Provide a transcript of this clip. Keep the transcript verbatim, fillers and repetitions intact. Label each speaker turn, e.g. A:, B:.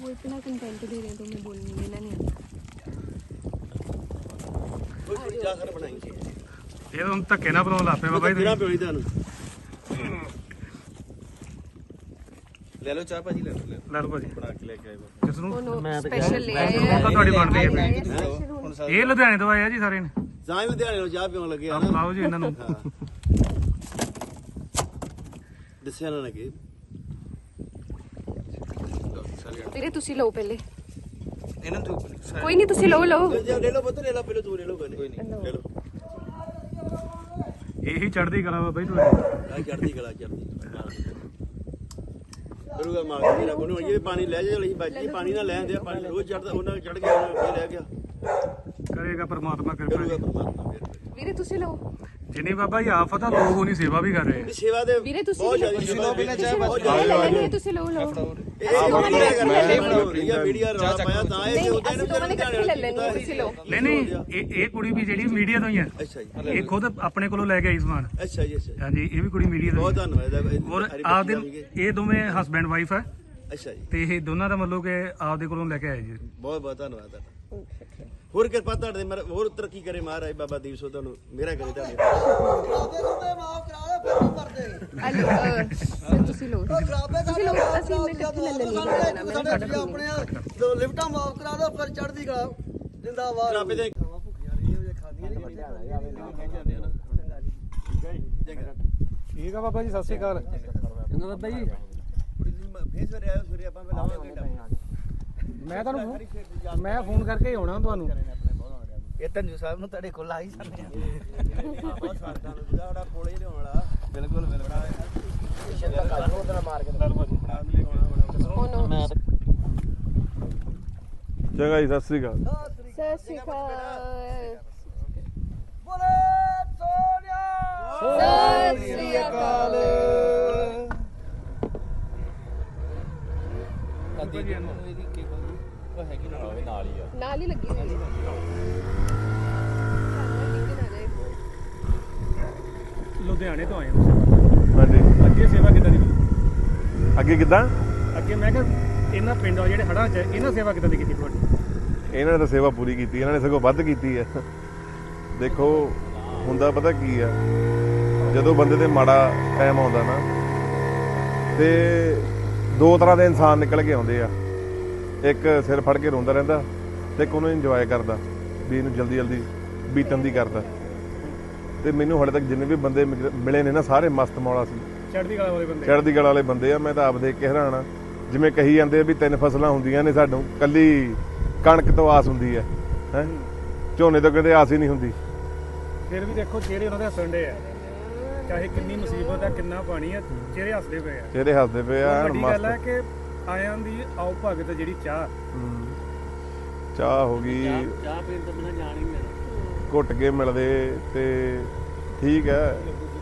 A: वो इतना कंटेंट दे रहे हैं तो मैं बोलने देना नहीं
B: जा कर बनाएंगे
C: ये तो हम धक्के ना बनाओ लापे बाबा जी
B: पियो ਤੁਹਾਨੂੰ ਲੈ ਲਓ ਚਾਹ ਭਾਜੀ ਲੈ ਲਓ
C: ਲੈ ਲਓ ਭਾਜੀ
B: ਬਣਾ ਕੇ ਲੈ ਕੇ ਆਏ
C: ਕਿਸ ਨੂੰ
A: स्पेशल ले आए
C: ਹੁਣ ਤਾਂ ਤੁਹਾਡੀ ਬਣ ਰਹੀ ਹੈ
B: ਹੁਣ
C: ਇਹ ਲੁਧਿਆਣੇ ਤੋਂ ਆਏ ਆ ਜੀ ਸਾਰੇ ਨੇ
B: ਜਾਂ ਲੁਧਿਆਣੇ ਨੂੰ ਚਾਹ ਪੀਣ ਲੱਗੇ ਆ
C: ਆਪ ਲਾਓ ਜੀ ਇਹਨਾਂ ਨੂੰ
B: ਦੱਸਿਆ ਨਾ ਕਿ
A: ਵੀਰੇ ਤੁਸੀਂ ਲਓ ਪਹਿਲੇ
B: ਇਹਨਾਂ ਤੋਂ
A: ਕੋਈ ਨਹੀਂ ਤੁਸੀਂ ਲਓ ਲਓ
B: ਲੈ ਲਓ ਪੁੱਤ ਲੈ ਲਓ ਪਹਿਲੇ ਤੂੰ ਲੈ ਲਓ ਕੋਈ ਨਹੀਂ ਲੈ ਲਓ
C: ਇਹੀ ਚੜ੍ਹਦੀ ਕਲਾ ਬਾਬਾ ਜੀ ਤੁਹਾਡੀ
B: ਆ ਚੜਦੀ ਗਲਾ ਚੜਦੀ ਕਰੂਗਾ ਮਾਰ ਕੇ ਨਾ ਕੋਈ ਇਹ ਪਾਣੀ ਲੈ ਜਾ ਲਈ ਬਾਜੀ ਪਾਣੀ ਨਾ ਲੈਂਦੇ ਆ ਪਾਣੀ ਰੋਜ਼ ਚੜਦਾ ਉਹਨਾਂ ਚੜ ਗਿਆ ਉਹਨਾਂ ਲੈ ਗਿਆ
C: ਕਰੇਗਾ ਪਰਮਾਤਮਾ ਕਿਰਪਾ
B: ਕਰੂਗਾ
C: ਜੀ
B: ਪਰਮਾਤਮਾ ਫਿਰ
A: ਵੀਰੇ ਤੁਸੀਂ ਲਓ
C: ਜਿੰਨੀ ਬਾਬਾ ਜੀ ਆਫਤ ਆ ਲੋਕ ਉਹਨੀ ਸੇਵਾ ਵੀ ਕਰ ਰਹੇ ਆ
B: ਸੇਵਾ ਦੇ
A: ਵੀਰੇ ਤੁਸੀਂ
B: ਬਹੁਤ ਜ਼ਿਆਦਾ ਸੇਵਾ ਪਹਿਲਾਂ ਚਾਹ ਬਹੁਤ
A: ਜ਼ਿਆਦਾ ਤੁਸੀਂ ਲਓ ਲਓ
B: ਇਹ ਵੀਡੀਓ ਵੀਡੀਓ ਰੌਲਾ ਪਾਇਆ ਤਾਂ ਇਹ
A: ਨਹੀਂ
B: ਉਹਦਾ
A: ਅਸੀਂ ਦੋਵਾਂ ਨੇ ਇਕੱਠੇ ਲੈ ਲੈਣੀ ਤੁਸੀਂ ਲਓ
C: ਨਹੀਂ ਨਹੀਂ ਇਹ ਇਹ ਕੁੜੀ ਵੀ ਜਿਹੜੀ ਮੀਡੀਆ ਤੋਂ ਹੀ ਆ
B: ਅੱਛਾ ਜੀ
C: ਇਹ ਖੁਦ ਆਪਣੇ ਕੋਲੋਂ ਲੈ ਕੇ ਆਈ ਸਮਾਨ
B: ਅੱਛਾ ਜੀ ਅੱਛਾ
C: ਹਾਂਜੀ ਇਹ ਵੀ ਕੁੜੀ ਮੀਡੀਆ ਤੋਂ
B: ਬਹੁਤ ਧੰਨਵਾਦ
C: ਔਰ ਆਪਦੇ ਇਹ ਦੋਵੇਂ ਹਸਬੈਂਡ ਵਾਈਫ ਹੈ
B: ਅੱਛਾ ਜੀ
C: ਤੇ ਇਹ ਦੋਨਾਂ ਦਾ ਮਤਲਬ ਕਿ ਆਪਦੇ ਕੋਲੋਂ ਲੈ ਕੇ ਆਏ ਜੀ
B: ਬਹੁਤ ਬਹੁਤ ਧੰਨਵਾਦ ਤੁਹਾਡਾ ਹੋਰ ਕਿਰਪਾ ਤੁਹਾਡੇ ਮਰ ਹੋਰ ਤਰੱਕੀ ਕਰੇ ਮਹਾਰਾਜ ਬਾਬਾ ਦੀਪ ਸੋ ਤੁਹਾਨੂੰ ਮੇਰਾ ਕਰੇ ਤੁਹਾਡੇ
A: ਅਲੋ ਤੁਸੀਂ ਲਓ ਤੁਸੀਂ ਲਓ ਅਸੀਂ ਮੈਂ ਇਕੱਠੇ ਲੈ ਲੈਣੀ
D: ਆਪਣੇ ਦੋ ਲਿਫਟਾਂ ਮਾਫ ਕਰਾ ਦੋ ਪਰ ਚੜ੍ਹਦੀ ਕਲਾ ਜਿੰਦਾਬਾਦ
B: ਰੱਬ ਦੇ
C: ਠੀਕ ਆ ਬਾਬਾ ਜੀ ਸਤਿ ਸ਼੍ਰੀ ਅਕਾਲ
D: ਚੰਗਾ ਬਾਬਾ ਜੀ
B: ਫੇਸ ਵੇ ਆਇਓ ਸਵੇਰੇ ਆਪਾਂ ਲਾਵਾਂਗੇ
C: ਮੈਂ ਤੁਹਾਨੂੰ ਮੈਂ ਫੋਨ ਕਰਕੇ ਹੀ ਆਉਣਾ ਤੁਹਾਨੂੰ
D: ਇਹ ਧੰਜੂ ਸਾਹਿਬ ਨੂੰ ਤੁਹਾਡੇ ਕੋਲ ਆ ਹੀ ਸਕਦੇ
B: ਬਹੁਤ ਸਾਡਾ ਉਹਦਾ ਕੋਲੇ ਲਿਆਉਣ ਵਾਲਾ
D: ਬਿਲਕੁਲ ਬਿਲਕੁਲ ਮਾਰ ਕੇ
E: ਚੰਗਾ ਜੀ ਸਤਿ ਸ੍ਰੀ ਅਕਾਲ
A: ਸਤਿ ਸ਼੍ਰੀ ਅਕਾਲ
D: ਬੋਲੇ ਸੋਨਿਆ
A: ਸਤਿ ਸ਼੍ਰੀ ਅਕਾਲ ਨਾਲ ਹੀ ਲੱਗੀ ਹੋਈ ਹੈ
C: ਲੁਧਿਆਣੇ ਤੋਂ ਆਏ ਹਾਂ
E: ਹਾਂਜੀ
C: ਅੱਗੇ ਸੇਵਾ ਕਿੱਦਾਂ ਦੀ ਕੀਤੀ?
E: ਅੱਗੇ ਕਿੱਦਾਂ
C: ਅੱਗੇ ਮੈਂ ਕਿਹਾ ਇਹਨਾਂ ਪਿੰਡਾਂ ਜਿਹੜੇ ਹੜ੍ਹਾਂ 'ਚ ਇਹਨਾਂ ਸੇਵਾ ਕਿੱਦਾਂ ਦੀ ਕੀਤੀ ਤੁਹਾਡੀ
E: ਇਹਨਾਂ ਨੇ ਤਾਂ ਸੇਵਾ ਪੂਰੀ ਕੀਤੀ ਇਹਨਾਂ ਨੇ ਸਗੋਂ ਵੱਧ ਕੀਤੀ ਹੈ ਦੇਖੋ ਹੁੰਦਾ ਪਤਾ ਕੀ ਆ ਜਦੋਂ ਬੰਦੇ ਤੇ ਮਾੜਾ ਟਾਈਮ ਆਉਂਦਾ ਨਾ ਤੇ ਦੋ ਤਰ੍ਹਾਂ ਦੇ ਇਨਸਾਨ ਨਿਕਲ ਕੇ ਆਉਂਦੇ ਆ ਇੱਕ ਸਿਰ ਫੜ ਕੇ ਰੋਂਦਾ ਰਹਿੰਦਾ ਤੇ ਇੱਕ ਉਹਨੂੰ ਇੰਜੋਏ ਕਰਦਾ ਵੀ ਇਹਨੂੰ ਜਲਦੀ ਜਲਦੀ ਬੀਤਣ ਦੀ ਕਰਦਾ ਤੇ ਮੈਨੂੰ ਹਾਲੇ ਤੱਕ ਜਿੰਨੇ ਵੀ ਬੰਦੇ ਮਿਲੇ ਨੇ ਨਾ ਸਾਰੇ ਮਸਤ ਮੌਲਾ ਸੀ
C: ਚੜ੍ਹਦੀ ਕਲਾ ਵਾਲੇ ਬੰਦੇ
E: ਚੜ੍ਹਦੀ ਕਲਾ ਵਾਲੇ ਬੰਦੇ ਆ ਮੈਂ ਤਾਂ ਆਪ ਦੇਖ ਕੇ ਹੈਰਾਨ ਆ ਜਿਵੇਂ ਕਹੀ ਜਾਂਦੇ ਆ ਵੀ ਤਿੰਨ ਫਸਲਾਂ ਹੁੰਦੀਆਂ ਨੇ ਸਾਨੂੰ ਕੱਲੀ ਕਣਕ ਤੋਂ ਆਸ ਹੁੰਦੀ ਹੈ ਹੈ ਝੋਨੇ ਤੋਂ ਕਹਿੰਦੇ ਆਸ ਹੀ ਨਹੀਂ ਹੁੰਦੀ
C: ਫਿਰ ਵੀ ਦੇਖੋ ਚਿਹਰੇ ਉਹਨਾਂ ਦੇ ਹੱਸਣ ਡੇ ਆ ਚਾਹੇ ਕਿੰਨੀ ਮੁਸੀਬਤ ਆ ਕਿੰਨਾ ਪਾਣੀ ਆ ਚਿਹਰੇ ਹੱਸਦੇ ਪਏ ਆ
E: ਚਿਹਰੇ ਹੱਸਦੇ ਪਏ ਆ
C: ਵੱਡੀ ਗੱਲ ਹੈ ਕਿ ਆਇਆਂ ਦੀ ਆਓ ਭਗਤ ਜਿਹੜੀ ਚਾਹ
E: ਚਾਹ ਹੋ ਗਈ
D: ਚਾਹ ਪੀਣ ਤੋਂ ਬਿਨਾਂ ਜਾਣ ਹੀ ਨਹੀਂ
E: ਘੁੱਟ ਕੇ ਮਿਲਦੇ ਤੇ ਠੀਕ ਹੈ